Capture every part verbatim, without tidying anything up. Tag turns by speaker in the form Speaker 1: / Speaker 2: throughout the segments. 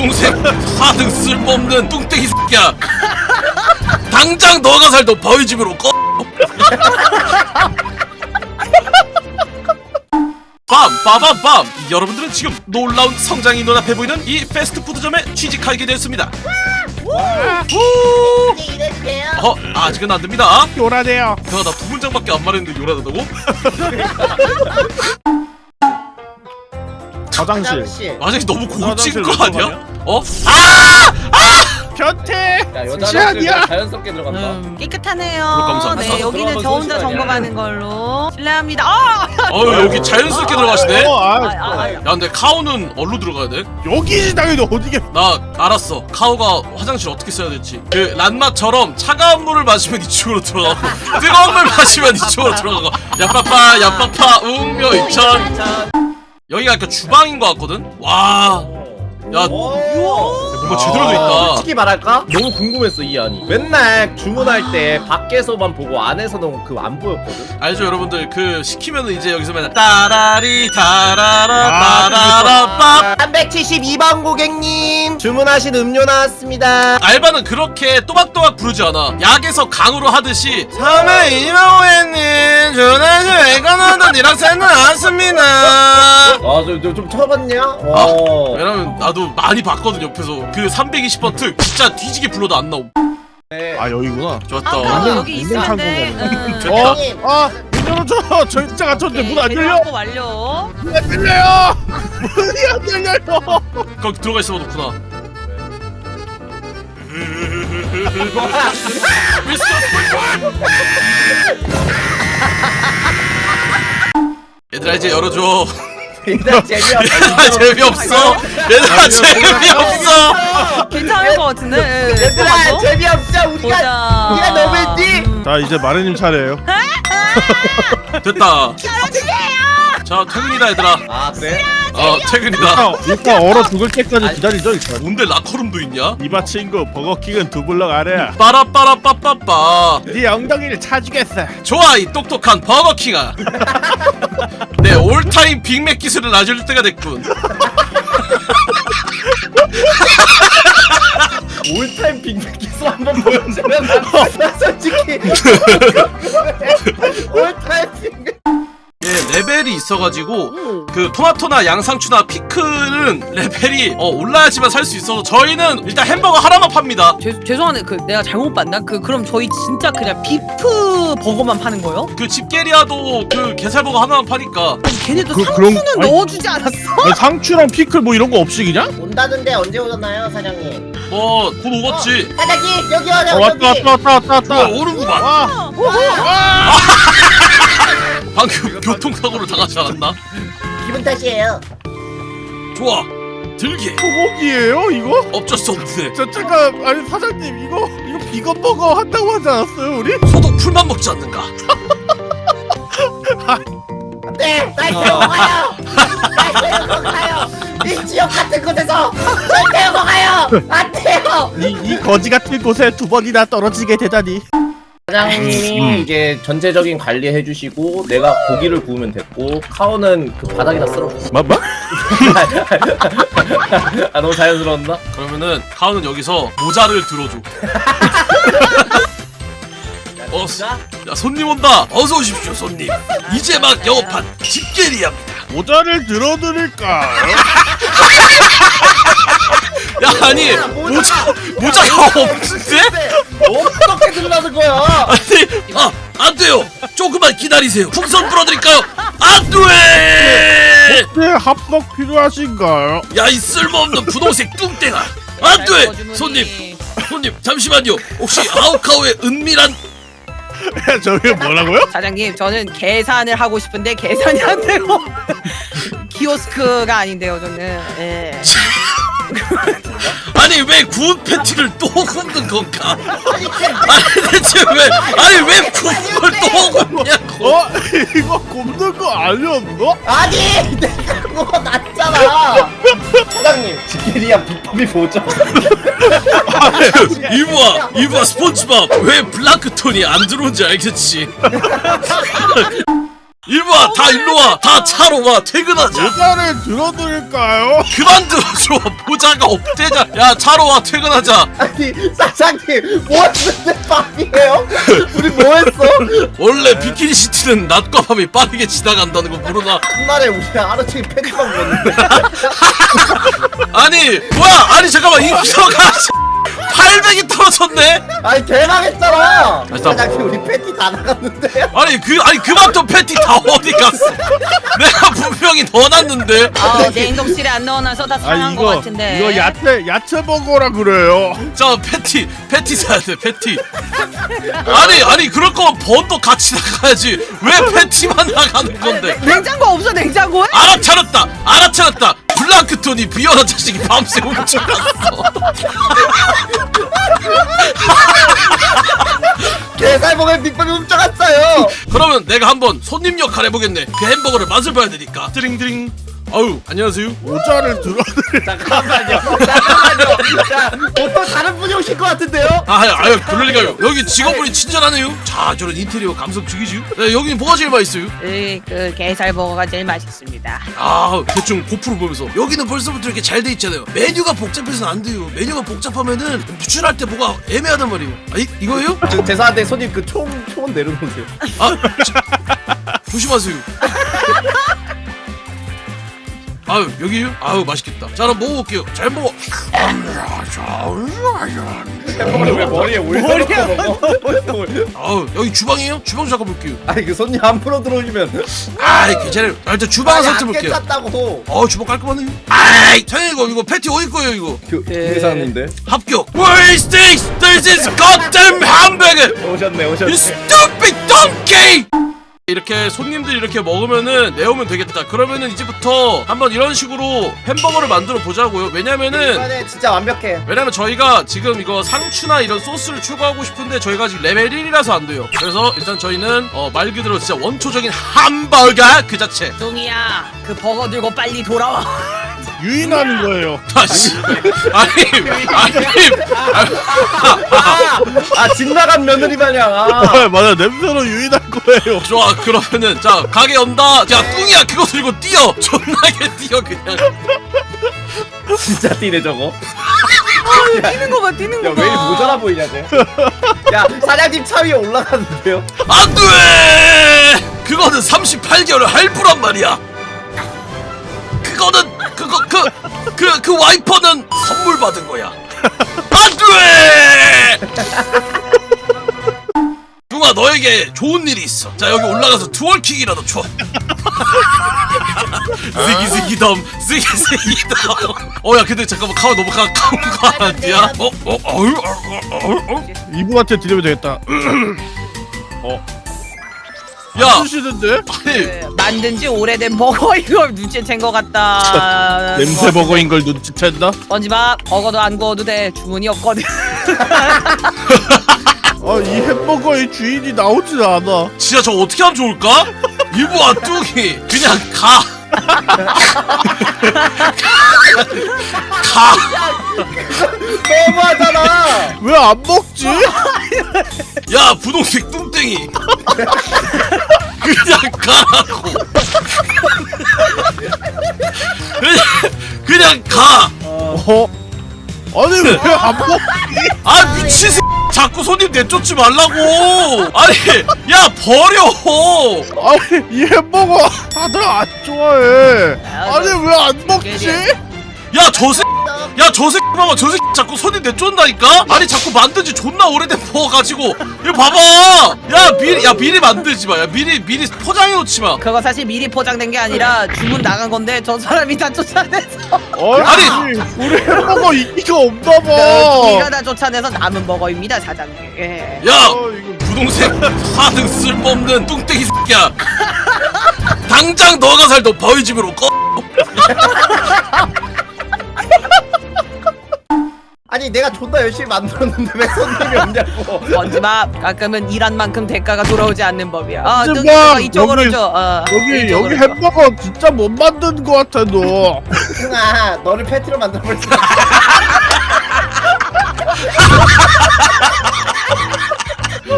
Speaker 1: 부동생 하등 쓸모없는 뚱땡이 새끼야. 당장 너가 살던 바위 집으로 꺼. 빰 빠밤빰. 여러분들은 지금 놀라운 성장이 눈앞에 보이는 이 패스트푸드점에 취직하게 되었습니다.
Speaker 2: 이래주세요.
Speaker 1: 어 아직은 안됩니다.
Speaker 3: 요란해요.
Speaker 1: 내가 나 두 문장밖에 안 말했는데 요란하다고?
Speaker 3: 화장실.
Speaker 2: 화장실.
Speaker 1: 아직 너무 고친
Speaker 3: 화장실
Speaker 1: 거
Speaker 3: 몇
Speaker 1: 아니야?
Speaker 3: 번
Speaker 1: 어? 아!
Speaker 3: 변태.
Speaker 4: 야, 여자
Speaker 3: 시안이야.
Speaker 4: 화장실 자연스럽게 들어간다.
Speaker 5: 음, 깨끗하네요.
Speaker 1: 감사합니다.
Speaker 5: 네, 여기는
Speaker 4: 들어가면
Speaker 5: 저 혼자
Speaker 4: 손실하냐.
Speaker 5: 점검하는 걸로. 실례합니다. 아!
Speaker 1: 어유 여기 자연스럽게 들어가시네?
Speaker 3: 어, 아,
Speaker 5: 아, 아, 아.
Speaker 1: 야 근데 카오는 어디로 들어가야 돼?
Speaker 3: 여기지 당연히 어디게?
Speaker 1: 나 알았어. 카오가 화장실 어떻게 써야 될지. 그 란마처럼 차가운 물을 마시면 이쪽으로 들어가고 뜨거운 물 마시면 이쪽으로 들어가고 야빠빠 야빠빠 웅묘 이천. 여기가 약간 주방인 것 같거든? 와. 야 뭔가 제대로 돼 있다.
Speaker 4: 솔직히 말할까? 너무 궁금했어 이 안이. 맨날 주문할 때 밖에서만 보고 안에서는 그 안 보였거든.
Speaker 1: 알죠 여러분들 그 시키면은 이제 여기서 맨날 따라리 타라라
Speaker 3: 아,
Speaker 1: 빠라라 빠.
Speaker 4: 삼백칠십이 번 고객님 주문하신 음료 나왔습니다.
Speaker 1: 알바는 그렇게 또박또박 부르지 않아. 약에서 강으로 하듯이 삼회 이만 오해님 전화시 외관원도 니락센 나왔습니다.
Speaker 4: 아저좀 쳐봤냐?
Speaker 1: 아,
Speaker 4: 어.
Speaker 1: 왜냐면 나도 많이 봤거든 옆에서. 그 삼백이십 번 특 진짜 뒤지게 불러도 안 나옴.
Speaker 4: 네.
Speaker 3: 아 여기구나.
Speaker 1: 좋았다.
Speaker 5: 아,
Speaker 3: 완전-
Speaker 5: 여기
Speaker 3: 완전
Speaker 5: 있었는데.
Speaker 3: 창고네.
Speaker 1: 됐다.
Speaker 3: 어?
Speaker 2: 형님.
Speaker 3: 아, 문 열어줘. 저 진짜 갇혔는데 문 안 열려.
Speaker 5: 하고 완료.
Speaker 3: 문 안 열려요. 문이 안 열려요.
Speaker 1: 거기 들어가 있어 놓구나. 얘들아 이제 열어줘.
Speaker 4: 일단 재미없어.
Speaker 1: 얘들아 재미없어. 얘들아 재미없어.
Speaker 5: 괜찮을 것 같은데. 예,
Speaker 4: 얘들아
Speaker 5: 또
Speaker 4: 재미없어. 우리가
Speaker 5: 보자.
Speaker 4: 우리가 너무했지?
Speaker 5: 음.
Speaker 3: 자 이제 마르님 차례예요.
Speaker 1: 됐다. 자 퇴근이다 얘들아.
Speaker 4: 아 그래?
Speaker 1: 어 퇴근이다.
Speaker 3: 일단, 일단 얼어 죽을 때까지 기다리죠 일단.
Speaker 1: 뭔데 라커룸도 있냐?
Speaker 3: 이봐 친구 버거킹은 두 블럭 아래야.
Speaker 1: 빠라빠라 빠빠빠.
Speaker 3: 네 엉덩이를 차주겠어.
Speaker 1: 좋아 이 똑똑한 버거킹아. 내 올타임 빅맥 기술을 알려줄 때가 됐군.
Speaker 4: 올타임 빅맥 기술 한번 보여주면 난, 난 솔직히 올타임 빅맥.
Speaker 1: 예, 레벨이 있어가지고 그 토마토나 양상추나 피클은 레벨이 어, 올라야지만 살 수 있어서 저희는 일단 햄버거 하나만 팝니다.
Speaker 5: 죄, 죄송한데 그 내가 잘못 봤나? 그 그럼 저희 진짜 그냥 비프 버거만 파는 거예요?
Speaker 1: 그 집게리아도 그 게살버거 하나만 파니까.
Speaker 5: 아니, 걔네도
Speaker 3: 그-
Speaker 5: 상추는
Speaker 3: 그럼- 아니-
Speaker 5: 넣어주지 않았어?
Speaker 3: 아니, 상추랑 피클 뭐 이런 거 없이 그냥?
Speaker 2: 온다던데 언제 오셨나요, 사장님?
Speaker 1: 뭐 곧 오겠지.
Speaker 2: 어, 사장님 여기 와요.
Speaker 3: 어, 왔다
Speaker 2: 여기.
Speaker 3: 왔다 왔다 왔다
Speaker 1: 어,
Speaker 3: 왔다.
Speaker 1: 오는구만.
Speaker 3: 와.
Speaker 1: 방금 교통사고를 당하지 않았나?
Speaker 2: 기분 탓이에요.
Speaker 1: 좋아 들게.
Speaker 3: 소고기예요 이거?
Speaker 1: 어쩔 수 없네.
Speaker 3: 저 잠깐 아니 사장님 이거 이거 비건 버거 한다고 하지 않았어요 우리?
Speaker 1: 소독 풀만 먹지 않는가?
Speaker 2: 네, 날 데리고 가요. 날 데리고 가요. 이 지역 같은 곳에서 절 데리고 가요. 안 돼요.
Speaker 3: 이, 이 거지 같은 곳에 두 번이나 떨어지게 되다니.
Speaker 4: 사장님이
Speaker 3: 음.
Speaker 4: 이제 전체적인 관리 해주시고 내가 고기를 구우면 됐고 카오는 그 바닥에다 쓸어.
Speaker 3: 뭐 뭐?
Speaker 4: 아 너무 자연스러웠나?
Speaker 1: 그러면은 카우는 여기서 모자를 들어줘. 어, 야 손님 온다. 어서 오십시오 손님. 이제 막 영업한 집게리아입니다.
Speaker 3: 모자를 들어드릴까?
Speaker 1: 야 아니 모자 모자가 없는데?
Speaker 4: 어떻게 들라는 거야?
Speaker 1: 아니 아 안돼요. 조금만 기다리세요. 풍선 불어드릴까요? 안돼.
Speaker 3: 네 합석 필요하신가요?
Speaker 1: 야 이 쓸모없는 부동생 뚱땡아. 안돼. 손님 손님 잠시만요. 혹시 아우카오의 은밀한
Speaker 3: 저게 뭐라고요?
Speaker 5: 사장님 저는 계산을 하고 싶은데 계산이 안 되고 키오스크가 아닌데요 저는. 예.
Speaker 1: 아니 왜 구운 패티를 또 굽는 건가? 아니 대체 왜 아니 왜 구운 걸 또 굽냐고?
Speaker 3: 어? 이거 굽는 거 아니었어?
Speaker 2: 아니, 내가 그거 놨잖아.
Speaker 4: 사장님 지게리아 비법이 뭐죠?
Speaker 1: 이브아 이브아 스폰지밥 왜 플랑크톤이 안 들어온지 알겠지? 일로와 다 일로와 다 차로 와 퇴근하자.
Speaker 3: 모자를 들어드릴까요?
Speaker 1: 그만 들어줘. 모자가 없대자. 야 차로 와 퇴근하자.
Speaker 2: 아니 사장님 뭐 했는데 밤이에요? 우리 뭐 했어?
Speaker 1: 원래 비키니 시티는 낮과 밤이 빠르게 지나간다는 거 모르나?
Speaker 2: 한날에 우리 하루 종일 팬티만 입었는데
Speaker 1: 아니 뭐야? 아니 잠깐만 이 기사가 팔백이 떨어졌네.
Speaker 2: 아니 대박했잖아
Speaker 1: 나-
Speaker 2: 사장님 우리 팬티 다 나갔는데요?
Speaker 1: 아니 그 아니 그만큼 패티 다 어디 갔어? 내가 분명히 넣어놨는데.
Speaker 5: 아, 냉동실에 안 넣어놔서 다
Speaker 3: 아
Speaker 5: 상한 것
Speaker 3: 이거
Speaker 5: 같은데.
Speaker 3: 이거 야채 야채 버거라 그래요.
Speaker 1: 자 패티 패티 사야 돼 패티. 아니 아니 그럴 거면 번도 같이 나가야지. 왜 패티만 나가는 건데?
Speaker 5: 냉장고 없어 냉장고에?
Speaker 1: 알아차렸다 알아차렸다. 플랑크톤이 비열한 자식이 밤새 훔쳐갔어.
Speaker 2: 게살봉에 빅밥이 훔쳐갔어요
Speaker 1: 그러면 내가 한번 손님 역할 해보겠네. 그 햄버거를 맛을 봐야 되니까. 드링드링. 아유 안녕하세요.
Speaker 3: 모자를 들어드릴.
Speaker 2: 잠깐만요 잠깐만요 자 보통 다른 분이 오실 것 같은데요?
Speaker 1: 아, 아유, 아유, 그럴 리가요. 여기 직원분이 친절하네요. 자, 저런 인테리어 감성 죽이지요. 네, 여기는 뭐가 제일 맛있어요?
Speaker 5: 네, 그 게살버거가 제일 맛있습니다.
Speaker 1: 아, 대충 고프로 보면서 여기는 벌써부터 이렇게 잘 돼 있잖아요. 메뉴가 복잡해서는 안 돼요. 메뉴가 복잡하면은 유출할 때 뭐가 애매하단 말이에요. 아, 이, 이거예요?
Speaker 2: 저, 죄송한데 손님 그 총 총은 내려놓으세요
Speaker 1: 아, 저, 조심하세요. 아유, 여기요? 아유, 맛있겠다. 자, 그럼 먹어볼게요. 잘 먹어.
Speaker 4: 햄버거를 왜 머리에 올려놓고 먹어?
Speaker 1: 아유, 여기 주방이에요? 주방 잠깐 볼게요.
Speaker 2: 아니 그 손님 함부로 들어오시면
Speaker 1: 아이, 괜찮아요. 아, 일단 주방
Speaker 2: 아니
Speaker 1: 살짝
Speaker 2: 안
Speaker 1: 볼게요.
Speaker 2: 괜찮다고
Speaker 1: 어, 주방 깔끔하네요. 아이, 사장님 이거, 이거 패티 어디 거예요, 이거?
Speaker 4: 그 회사인데
Speaker 1: 합격. Where is this? This is goddamn hamburger.
Speaker 4: 오셨네
Speaker 1: You
Speaker 4: 오셨네.
Speaker 1: stupid donkey! 이렇게 손님들이 이렇게 먹으면은 내오면 되겠다. 그러면은 이제부터 한번 이런 식으로 햄버거를 만들어 보자고요. 왜냐면은
Speaker 2: 이번에 진짜 완벽해
Speaker 1: 왜냐면 저희가 지금 이거 상추나 이런 소스를 추가하고 싶은데 저희가 지금 레벨 일이라서 안 돼요. 그래서 일단 저희는 어, 말 그대로 진짜 원초적인 햄버거 그 자체.
Speaker 5: 뚱이야, 그 버거 들고 빨리 돌아와.
Speaker 3: 유인하는 거예요.
Speaker 1: 다시 아니 아니
Speaker 2: 아, 아 진나간 며느리 마냥 아.
Speaker 3: 아, 맞아 냄새로 유인할 거예요.
Speaker 1: 좋아 그러면은 자 가게 연다. 야 뚱이야 그거 들고 뛰어. 존나게 뛰어 그냥.
Speaker 4: 진짜 뛰네 저거.
Speaker 5: 뛰는 거 봐, 뛰는 거 봐.
Speaker 2: 야왜 이리 모자라 보이냐 쟤. 야 사장님 차 위에 올라가는데요
Speaker 1: 안돼! 그거는 삼십팔 개월 할부란 말이야. 그거는 그거 그 그 그 와이퍼는 선물 받은 거야. 안돼! 뚱아 너에게 좋은 일이 있어. 자 여기 올라가서 투월킥이라도 쳐. 쓰기 쓰기 덤 쓰기 쓰기 덤. 어야 근데 잠깐만 카우 너무 가까운 거 아니야? 어? 어? 어유? 어? 어? 어?
Speaker 3: 이분한테 드리면 되겠다.
Speaker 1: 야
Speaker 3: 쓰시는데?
Speaker 1: 아니
Speaker 5: 그, 만든 지 오래된 버거 이걸 눈치챈 것 같다.
Speaker 3: 냄새 버거인 걸 눈치챈다?
Speaker 5: 번지마, 버거도 안 구워도 돼. 주문이 없거든.
Speaker 3: 아 이 햄버거의 주인이 나오질 않아.
Speaker 1: 진짜 저 어떻게 하면 좋을까? 이부와 뚱이 그냥 가. 가.
Speaker 2: 너무하잖아
Speaker 3: 왜 안 먹지?
Speaker 1: 야 분홍색 뚱땡이. 그냥 가라고. 그냥, 그냥 가.
Speaker 3: 어? 아니 왜 안 먹지?
Speaker 1: 아 미친 새. 자꾸 손님 내쫓지 말라고. 아니 야 버려.
Speaker 3: 아니 이 햄버거 다들 안 좋아해. 아니 왜 안 먹지?
Speaker 1: 야 저 새. 야 저 새끼 봐봐 저 새끼 자꾸 손님 내쫓는다니까? 아니 자꾸 만든지 존나 오래된 버거 가지고 이거 봐봐. 야 미리 야 미리 만들지 마. 야 미리 미리 포장해 놓지 마.
Speaker 5: 그거 사실 미리 포장된 게 아니라 주문 나간 건데 저 사람이 다 쫓아내서
Speaker 3: 아니, 우리 햄버거 인기가 없나 봐.
Speaker 5: 네가 다 쫓아내서 남은 버거입니다, 사장님. 예.
Speaker 1: 야
Speaker 3: 어, 이거
Speaker 1: 분홍색 하등 쓸모없는 뚱땡이 새끼야. 당장 너가 살던 바위 집으로 꺼.
Speaker 2: 아니 내가 존나 열심히 만들었는데 왜 손님이 없냐고
Speaker 5: 번지마, 가끔은 일한 만큼 대가가 돌아오지 않는 법이야. 아,
Speaker 3: 번지마,
Speaker 5: 뚱이가 이쪽으로
Speaker 3: 여기-
Speaker 5: 줘. 어,
Speaker 3: 여기
Speaker 5: 이쪽으로
Speaker 3: 여기
Speaker 5: 줘.
Speaker 3: 햄버거 진짜 못 만든 거 같아 너.
Speaker 2: 승아 너를 패티로 만들어버렸어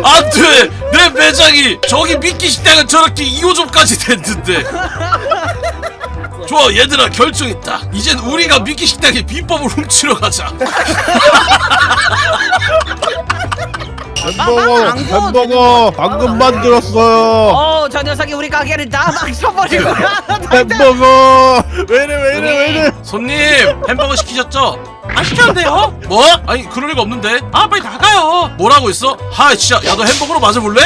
Speaker 1: 안돼 내 매장이 저기 미끼 식당은 저렇게 이 호점까지 됐는데. 좋아 얘들아 결정했다. 이젠 우리가 미끼 식당의 비법을 훔치러 가자.
Speaker 3: 햄버거
Speaker 5: 안
Speaker 3: 햄버거 방금 만들었어요.
Speaker 5: 어, 저 녀석이 우리 가게를 다 망쳐버릴 거야.
Speaker 3: 햄버거 왜 이래 왜 이래 왜 이래.
Speaker 1: 손님 햄버거 시키셨죠? 안 시켰는데요? 뭐? 아니 그럴 리가 없는데. 아 빨리 나가요. 뭐라고 했어? 하 진짜 야 너 햄버거로 맞아볼래?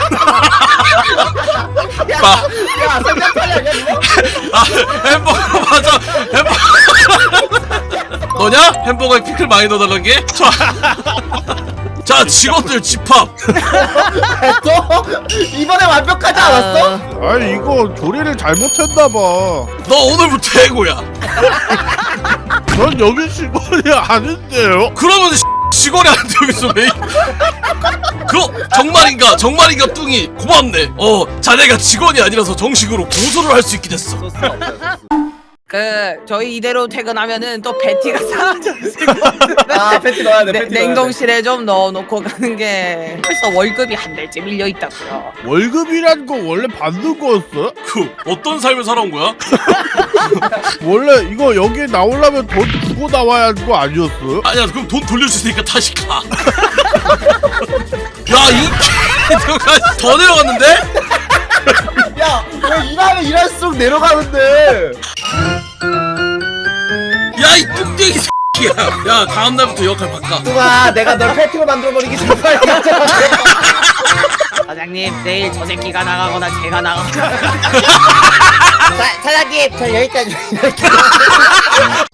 Speaker 1: 빠.
Speaker 2: 야 성장 팔려 야 이거
Speaker 1: 아 햄버거 맞아 햄버거 너냐? 햄버거에 피클 많이 넣어달란 게? 자, 자 직원들 집합.
Speaker 2: 또 이번에 완벽하지 않았어?
Speaker 3: 아니 이거 조리를 잘못했나봐.
Speaker 1: 너 오늘부터 해고야.
Speaker 3: 전 여기 직원이 아닌데요.
Speaker 1: 그러면 직원이 안 돼 여기서 왜? 그거 정말인가 정말인가 뚱이 고맙네. 어 자네가 직원이 아니라서 정식으로 고소를 할 수 있게 됐어.
Speaker 4: 소스가 없어졌어.
Speaker 5: 그 저희 이대로 퇴근하면은 또 패티가 사라져있을 것
Speaker 2: 아 패티 넣어야 돼
Speaker 5: 네,
Speaker 2: 패티 넣어야 돼.
Speaker 5: 냉동실에 좀 넣어놓고 가는 게 벌써 월급이 한 달째 밀려 있다고요.
Speaker 3: 월급이란 거 원래 받는 거였어?
Speaker 1: 그 어떤 삶을 살아온 거야?
Speaker 3: 원래 이거 여기 나오려면 돈 주고 나와야 하는 거 아니었어?
Speaker 1: 아니야 그럼 돈 돌려줄 테니까 다시 가. 야이 개가 더 내려갔는데?
Speaker 2: 야, 왜 일하면 일할수록 내려가는데?
Speaker 1: 야 이 뚱땡이 새끼야. 야 다음 날부터 역할 바꿔.
Speaker 2: 뚱아, 내가 널 패티로 만들어버리기 전에 빨리 가자.
Speaker 5: 사장님 내일 저 새끼가 나가거나 제가 나가거나
Speaker 2: 사, 사장님, 저 여기까지. 여기까지.